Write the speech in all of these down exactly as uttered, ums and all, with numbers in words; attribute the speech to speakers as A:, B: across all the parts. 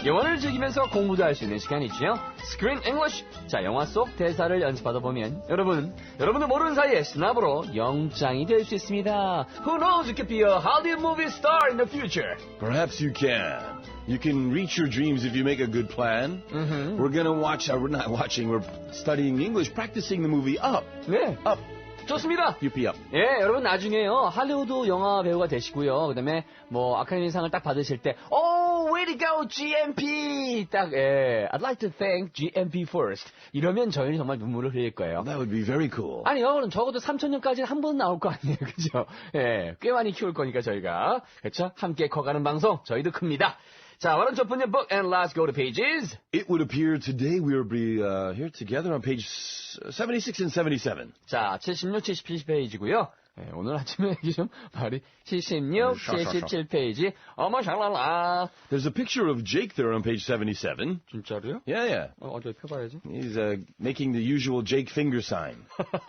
A: 영화를 즐기면서 공부도 할 수 있는 시간이죠. Screen English. 자, 영화 속 대사를 연습하다 보면 여러분, 여러분도 모르는 사이에 스나브로 영장이 될 수 있습니다. Who knows, you could be a Hollywood movie star in the future.
B: Perhaps you can. You can reach your dreams if you make a good plan.
A: Mm-hmm.
B: We're gonna watch, uh, we're not watching, we're studying English, practicing the movie Up.
A: 네,
B: Up.
A: 좋습니다.
B: Up. Up.
A: 예, 여러분 나중에요 할리우드 영화 배우가 되시고요. 그다음에 뭐 아카데미상을 딱 받으실 때, oh, way to go, 지엠피. 딱 예, I'd like to thank 지엠피 first. 이러면 저희는 정말 눈물을 흘릴 거예요.
B: That would be very cool.
A: 아니요, 그럼 적어도 삼천 년까지는 한 번 나올 거 아니에요, 그죠? 예, 꽤 많이 키울 거니까 저희가 그렇죠? 함께 커가는 방송 저희도 큽니다. 자, why don't you open your book and let's go to pages.
B: It would appear today we will be uh, here together on page seventy-six and seventy-seven.
A: 자, 칠십육, 칠십칠 페이지고요. 예, 오늘 아침에 이게 좀 말이 칠십육, 칠십칠 페이지. 어머 샬랄라.
B: There's a picture of Jake there on page seventy-seven.
A: 진짜로요?
B: Yeah, yeah.
A: 어, 어디 펴봐야지.
B: He's uh, making the usual Jake finger sign.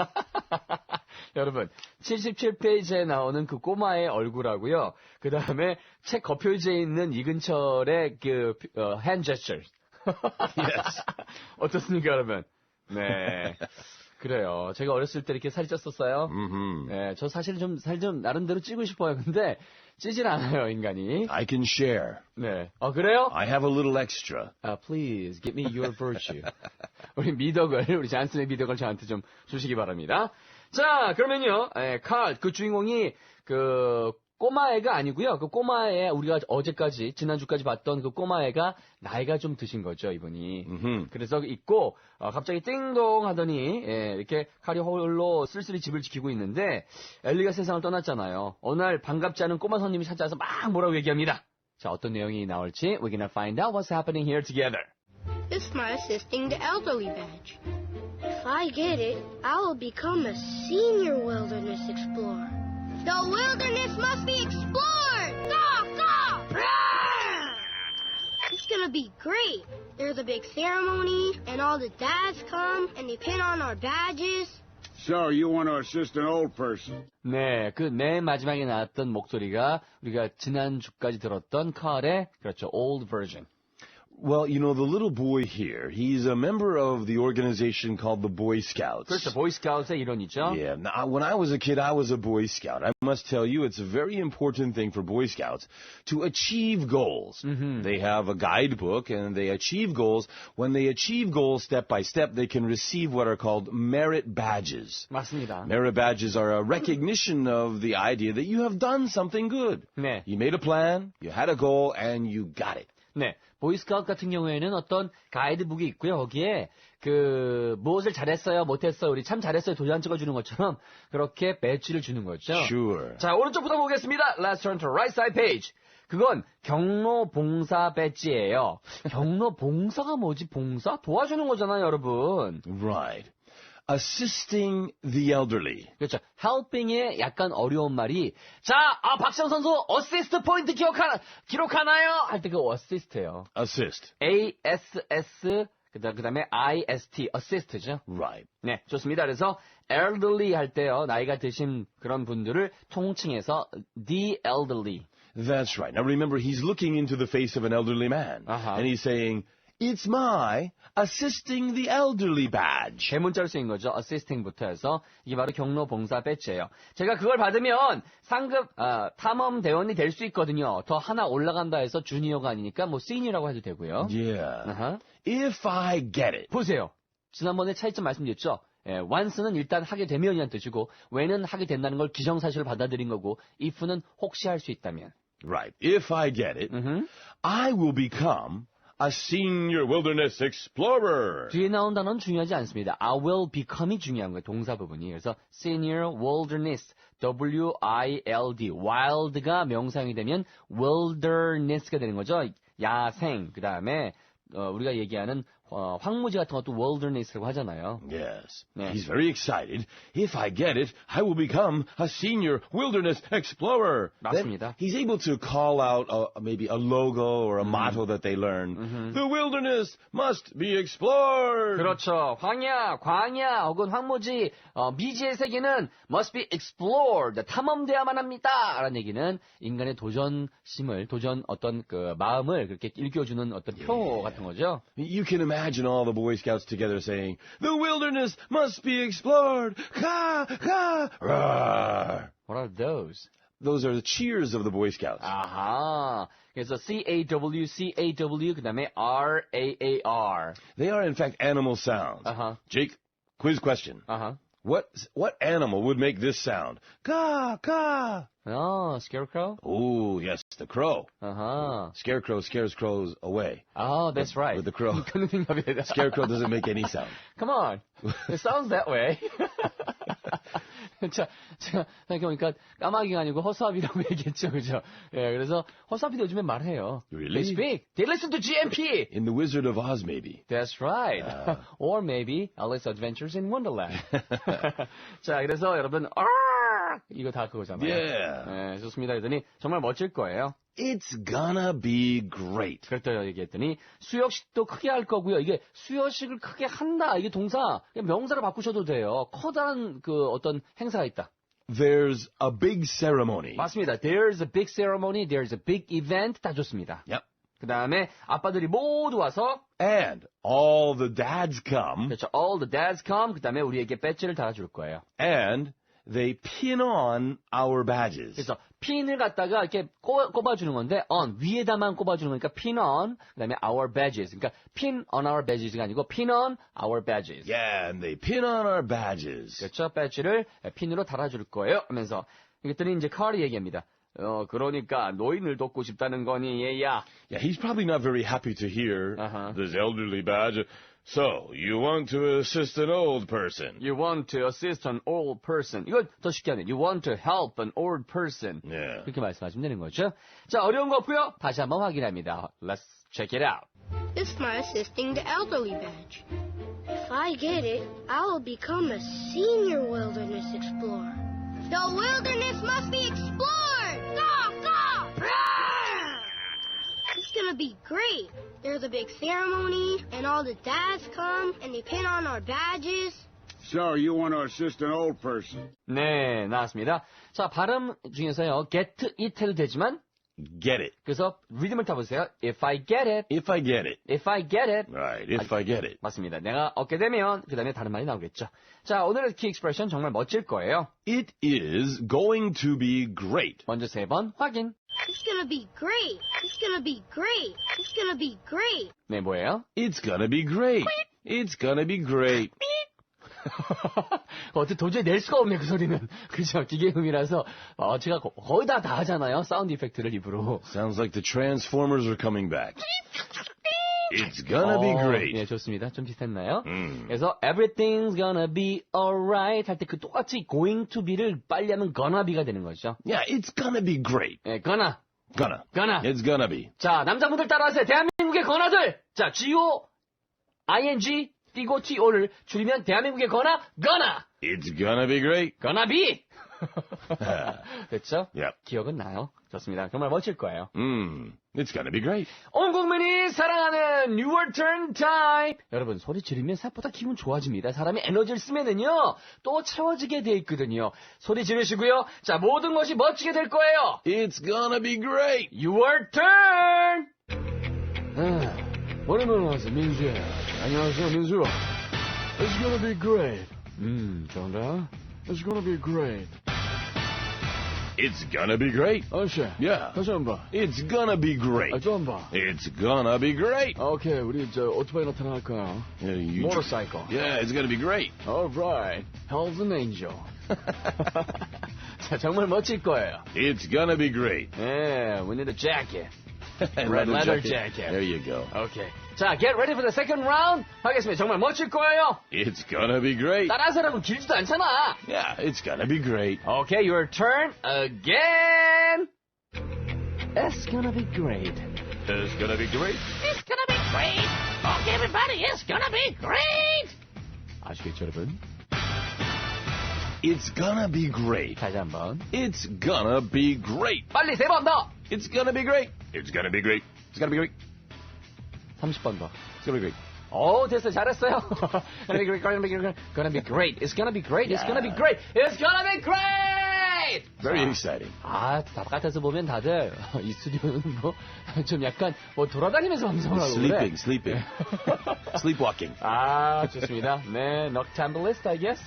A: 여러분, 칠십칠 페이지에 나오는 그 꼬마의 얼굴하고요. 그 다음에 책 겉표지에 있는 이근철의 그 어, hand gestures.
B: Yes.
A: 어떻습니까, 여러분? 네. 그래요. 제가 어렸을 때 이렇게 살이 쪘었어요.
B: Mm-hmm.
A: 네, 저 사실 좀 살 좀 나름대로 찌고 싶어요. 근데 찌질 않아요, 인간이.
B: I can share.
A: 네. 어, 그래요?
B: I have a little extra.
A: Uh, please, give me your virtue. 우리 미덕을, 우리 잔슨의 미덕을 저한테 좀 주시기 바랍니다. 자, 그러면요, 에, 칼, 그 주인공이, 그, 꼬마애가 아니고요. 그 꼬마애, 우리가 어제까지, 지난주까지 봤던 그 꼬마애가 나이가 좀 드신 거죠, 이분이.
B: Mm-hmm.
A: 그래서 있고, 어, 갑자기 띵동 하더니, 예, 이렇게 칼이 홀로 쓸쓸히 집을 지키고 있는데, 엘리가 세상을 떠났잖아요. 어느 날 반갑지 않은 꼬마 손님이 찾아와서 막 뭐라고 얘기합니다. 자, 어떤 내용이 나올지, we're gonna find out what's happening here together.
C: It's my assisting the elderly badge. If I get it, I will become a senior wilderness explorer. The wilderness must be explored! Go, go! Roar! It's gonna be great. There's a big ceremony, and all the dads come, and they pin on our badges.
D: So, you want to assist an old person?
A: 네, 그 맨 마지막에 나왔던 목소리가 우리가 지난주까지 들었던 칼의, 그렇죠, old version.
B: Well, you know, the little boy here, he's a member of the organization called the Boy Scouts.
A: 그렇죠, 보이스카우트의 일원이죠.
B: Yeah. Now, when I was a kid, I was a Boy Scout. I must tell you, it's a very important thing for Boy Scouts to achieve goals. Mm-hmm. They have a guidebook, and they achieve goals. When they achieve goals step by step, they can receive what are called merit badges.
A: 맞습니다.
B: Merit badges are a recognition of the idea that you have done something good.
A: 네.
B: You made a plan, you had a goal, and you got it.
A: 네, 보이스카우트 같은 경우에는 어떤 가이드북이 있고요. 거기에 그 무엇을 잘했어요, 못했어요, 우리 참 잘했어요 도장 찍어주는 것처럼 그렇게 배지를 주는 거죠.
B: Sure.
A: 자, 오른쪽부터 보겠습니다. Let's turn to right side page. 그건 경로 봉사 배지예요. 경로 봉사가 뭐지? 봉사? 도와주는 거잖아요, 여러분.
B: Right. Assisting the elderly.
A: 그렇죠. helping의 약간 어려운 말이 자, 아, 박시영 선수 어시스트 포인트 기록하나, 기록하나요? 할 때 그 어시스트예요.
B: Assist.
A: A S S 그다음 그다음에 I S T assist죠.
B: Right.
A: 네, 좋습니다. 그래서 elderly 할 때요. 나이가 드신 그런 분들을 통칭해서 the elderly.
B: That's right. Now remember, he's looking into the face of an elderly man.
A: Uh-huh.
B: And he's saying, it's my assisting the elderly badge.
A: 대문자로 쓰인 거죠. assisting부터 해서 이게 바로 경로 봉사 배지예요. 제가 그걸 받으면 상급 아, 탐험 대원이 될 수 있거든요. 더 하나 올라간다 해서 주니어가 아니니까 뭐 시니어라고 해도 되고요.
B: Yeah.
A: Uh-huh.
B: If I get it.
A: 보세요. 지난번에 차이점 말씀드렸죠. 예, once는 일단 하게 되면이란 뜻이고 when은 하게 된다는 걸 기정사실을 받아들인 거고 if는 혹시 할 수 있다면.
B: Right. If I get it,
A: Mm-hmm.
B: I will become a senior wilderness explorer.
A: 뒤에 나온 단어는 중요하지 않습니다. I will become이 중요한 거예요. 동사 부분이. 그래서 senior wilderness, W I L D, wild가 명사형이 되면 wilderness가 되는 거죠. 야생, 그 다음에 어, 우리가 얘기하는 어, 황무지 같은 것도 wilderness라고 하잖아요.
B: Yes.
A: Yeah.
B: He's very excited. If I get it, I will become a senior wilderness explorer.
A: 맞습니다.
B: Then he's able to call out a, maybe a logo or a motto that they learn.
A: Mm-hmm.
B: The wilderness must be explored.
A: 그렇죠. 황야, 광야 혹은 황무지, 어, 미지의 세계는 must be explored. 탐험돼야만 합니다. 라는 얘기는 인간의 도전심을, 도전 어떤 그 마음을 그렇게 일깨워주는 어떤 표 같은 거죠.
B: You can imagine all the Boy Scouts together saying, The wilderness must be explored. Ka, ka, roar.
A: What are those?
B: Those are the cheers of the Boy Scouts.
A: 아하. 그래서 C-A-W, C-A-W, 그 다음에 R-A-A-R.
B: They are, in fact, animal sounds.
A: Uh-huh.
B: Jake, quiz question.
A: 아하.
B: What what animal would make this sound? Ka, ka.
A: 어, scarecrow?
B: Oh, yes, the crow.
A: 아하.
B: Scarecrow scares crows away.
A: Oh, that's right.
B: With the crow.
A: 그런 생각이다.
B: Scarecrow doesn't make any sound.
A: Come on. It sounds that way. 자, 제가 생각해보니까 까마귀가 아니고 허수아비라고 얘기했죠, 그죠? 예, 그래서 허수아비도 요즘에 말해요.
B: Really?
A: They speak. They listen to G M P.
B: In The Wizard of Oz, maybe.
A: That's right.
B: Uh.
A: Or maybe Alice Adventures in Wonderland. 자, 그래서 여러분, 아! 이거 다 그거잖아요.
B: Yeah.
A: 예, 좋습니다. 그랬더니 정말 멋질 거예요.
B: It's gonna be great.
A: 그랬더니 얘기했더니 수여식도 크게 할 거고요. 이게 수여식을 크게 한다. 이게 동사, 그냥 명사로 바꾸셔도 돼요. 커다란 그 어떤 행사가 있다.
B: There's a big ceremony.
A: 맞습니다. There's a big ceremony. There's a big event. 다 좋습니다.
B: Yep.
A: 그 다음에 아빠들이 모두 와서
B: And all the dads come.
A: 그렇죠. All the dads come. 그 다음에 우리에게 배지를 달아줄 거예요.
B: And they pin on our badges.
A: 그래서 핀을 갖다가 이렇게 꼽아, 꼽아주는 건데 on 위에다만 꼽아주는 거니까 pin on 그다음에 our badges. 그러니까 pin on our badges가 아니고 pin on our badges.
B: Yeah, and they pin on our badges.
A: 그렇죠. 배지를 핀으로 달아줄 거예요. 하면서 그랬더니 이제 카리 얘기합니다. 어 그러니까 노인을 돕고 싶다는 거니 얘야.
B: Yeah, he's probably not very happy to hear
A: Uh-huh.
B: this elderly badge. So, you want to assist an old person.
A: You want to assist an old person. 이걸 더 쉽게 하네. You want to help an old person.
B: Yeah.
A: 그렇게 말씀하시면 되는 거죠. 자, 어려운 거 없고요. 다시 한번 확인합니다. Let's check it out.
C: It's my assisting the elderly badge. If I get it, I will become a senior wilderness explorer. The wilderness must be explored! Go, go! Roar! It's gonna be great. There's a big ceremony, and all the dads come, and they pin on our badges.
D: So, you want to assist an old person?
A: 네, 나왔습니다. 자, 발음 중에서요. get it해도 되지만
B: Get it.
A: 그래서 리듬을 타보세요. If I get it,
B: If I get it.
A: if I get it.
B: Right, if I get it.
A: 맞습니다. 내가 얻게 되면 그 다음에 다른 말이 나오겠죠. 자, 오늘의 키 익스프레션 정말 멋질 거예요.
B: It is going to be great.
A: 먼저 세 번 확인.
C: It's gonna be great. It's gonna be great. It's gonna be great.
A: 네, 뭐예요?
B: It's gonna be great. It's gonna be great.
A: 어떻게 도저히 낼 수가 없네, 그 소리는. 그죠? 기계음이라서, 어, 제가 거, 거의 다 다 하잖아요. 사운드 이펙트를 입으로.
B: Sounds like the Transformers are coming back. It's gonna be
A: 어,
B: great.
A: 예, 좋습니다. 좀 비슷했나요?
B: 음.
A: 그래서 everything's gonna be alright 할 때 그 똑같이 going to be를 빨리 하면 gonna be가 되는 거죠.
B: Yeah, it's gonna be great.
A: 예, gonna,
B: Gonna.
A: gonna.
B: It's gonna be.
A: 자, 남자분들 따라하세요. 대한민국의 건아들. 자, G-O, I-N-G, 띄고 T-O를 줄이면 대한민국의 건아, gonna.
B: It's gonna be great.
A: gonna be. 됐죠?
B: Yep.
A: 기억은 나요. 좋습니다. 정말 멋질 거예요.
B: Mm. It's gonna be great.
A: 온 국민이 사랑하는 Your Turn Time. 여러분, 소리 지르면 생각보다 기분 좋아집니다. 사람이 에너지를 쓰면은요, 또 채워지게 돼 있거든요. 소리 지르시고요. 자, 모든 것이 멋지게 될 거예요.
B: It's gonna be great.
A: Your turn! 아, 오랜만에 와서 민수야. 안녕하세요, 민수. It's gonna be great. 음, 좋은가? It's gonna be great.
B: It's gonna be great.
A: 아저씨.
B: Yeah.
A: 다시 한 번.
B: It's gonna be great.
A: 아, 또 한 번.
B: It's gonna be great.
A: 오케이, 우리 저 오토바이 나타날까요?
B: Yeah, you
A: Motorcycle.
B: Yeah, it's gonna be great.
A: Alright. Hell's an angel. 자, 정말 멋질 거예요.
B: It's gonna be great.
A: 예, we need a jacket.
B: And
A: Red leather jacket.
B: There you go.
A: 오케이. 자, get ready for the second round. 하겠습니다. 정말 멋질 거예요.
B: It's gonna be great.
A: 따라서라고 길지도 않잖아.
B: Yeah, it's gonna be great.
A: Okay, your turn again. It's gonna be great.
B: It's gonna be great.
A: It's gonna be great. luck, everybody. It's gonna be great. 아시겠죠, 여러분?
B: It's gonna be great.
A: 다시 한번.
B: It's gonna be great.
A: 빨리 세 번 더.
B: It's gonna be great. It's gonna be great. It's gonna be great.
A: 삼십 번 더.
B: It's gonna be great.
A: 오, 됐어요. 잘했어요. gonna be great, gonna be great, gonna be great. It's gonna be great. It's gonna be great. It's gonna be great.
B: Very
A: 자,
B: exciting.
A: 아, 바깥에서 보면 다들 이 스튜디오는 뭐 좀 약간 뭐 돌아다니면서 방송을 하고 그래.
B: Sleeping, sleeping. Sleepwalking.
A: 아, 좋습니다. 네, noctambulist, I guess.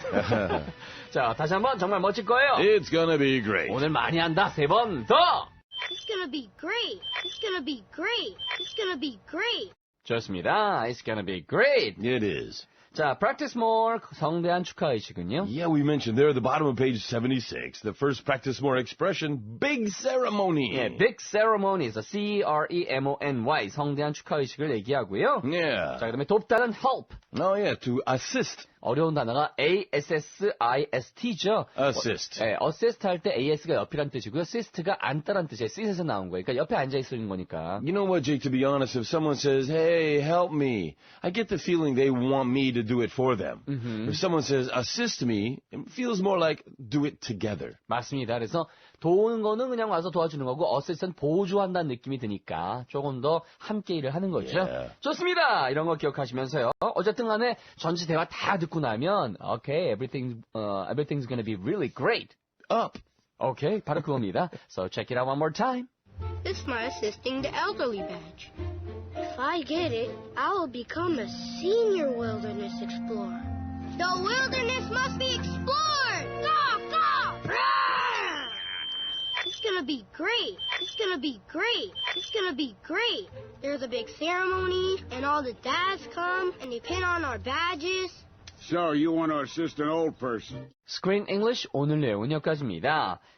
A: 자, 다시 한번 정말 멋질 거예요.
B: It's gonna be great.
A: 오늘 많이 한다. 세 번 더.
C: It's gonna be great. It's gonna be great. It's gonna be great.
A: 좋습니다. It's gonna be great.
B: It is.
A: 자, practice more 성대한 축하의식은요?
B: Yeah, we mentioned there at the bottom of page seventy-six, the first practice more expression, big ceremony.
A: 예, big ceremonies, C R E M O N Y, 성대한 축하의식을 얘기하고요.
B: Yeah.
A: 자, 그다음에 돕다는 help.
B: Oh, yeah, to assist.
A: 어려운 단어가 A S S I S T죠.
B: Assist.
A: 어, 예, assist 할 때 As가 옆이란 뜻이고요. assist가 앉다란 뜻이에요. sit에서 나온 거예요. 그러니까 옆에 앉아 있는 거니까.
B: You know what, Jake, to be honest, if someone says, hey, help me, I get the feeling they want me to do it for them.
A: Mm-hmm.
B: If someone says, assist me, it feels more like do it together.
A: 맞습니다. 그래서 도우는 거는 그냥 와서 도와주는 거고 assist는 보조한다는 느낌이 드니까 조금 더 함께 일을 하는 거죠.
B: Yeah.
A: 좋습니다. 이런 거 기억하시면서요. 어쨌든 간에 전체 대화 다 듣고 나면 okay, everything, uh, everything's gonna be really great.
B: Up.
A: Okay, 바로 그겁니다. So check it out one more time.
C: This is my assisting the elderly badge. If I get it, I will become a senior wilderness explorer. The wilderness must be explored! Go, go! Roar! It's gonna be great. It's gonna be great. It's gonna be great. There's a big ceremony, and all the dads come, and they pin on our badges.
D: So, you want to assist an old person?
A: Screen English 오늘 내용은 여기까지입니다.